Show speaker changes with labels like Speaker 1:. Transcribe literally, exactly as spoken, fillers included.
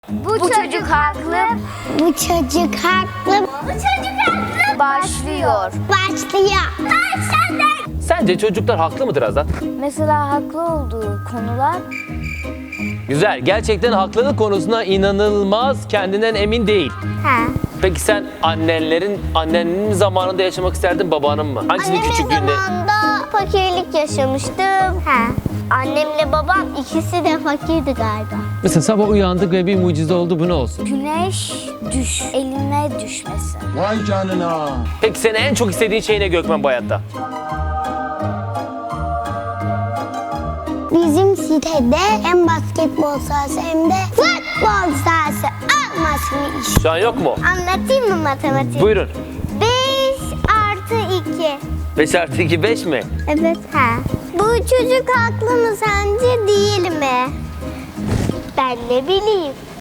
Speaker 1: Bu, Bu çocuk haklı.
Speaker 2: Bu çocuk haklı.
Speaker 1: Bu çocuk haklı. Başlıyor.
Speaker 2: Başlıyor.
Speaker 3: Sence çocuklar haklı mıdır Azat?
Speaker 1: Mesela haklı olduğu konular
Speaker 3: Güzel. Gerçekten haklılık konusunda inanılmaz kendinden emin değil.
Speaker 2: Ha.
Speaker 3: Peki sen annenlerin, annenin zamanında yaşamak isterdin, babanın mı? Hangisini
Speaker 2: Annemin
Speaker 3: küçüklüğünde?
Speaker 2: zamanında fakirlik yaşamıştım. Ha. Annemle babam ikisi de fakirdi galiba.
Speaker 3: Mesela sabah uyandık ve bir mucize oldu, bu ne olsun?
Speaker 1: güneş düş, eline düşmesi.
Speaker 4: Vay canına.
Speaker 3: Peki senin en çok istediğin şey ne Gökmen bu hayatta?
Speaker 2: Bizim sitede hem basketbol sahası hem de futbol sahası olmasını
Speaker 3: Şu an yok mu?
Speaker 2: Anlatayım mı matematik?
Speaker 3: Buyurun.
Speaker 2: beş artı iki.
Speaker 3: beş artı iki beş mi?
Speaker 2: Evet. Ha. Bu çocuk haklı mı sence değil mi? Ben ne bileyim.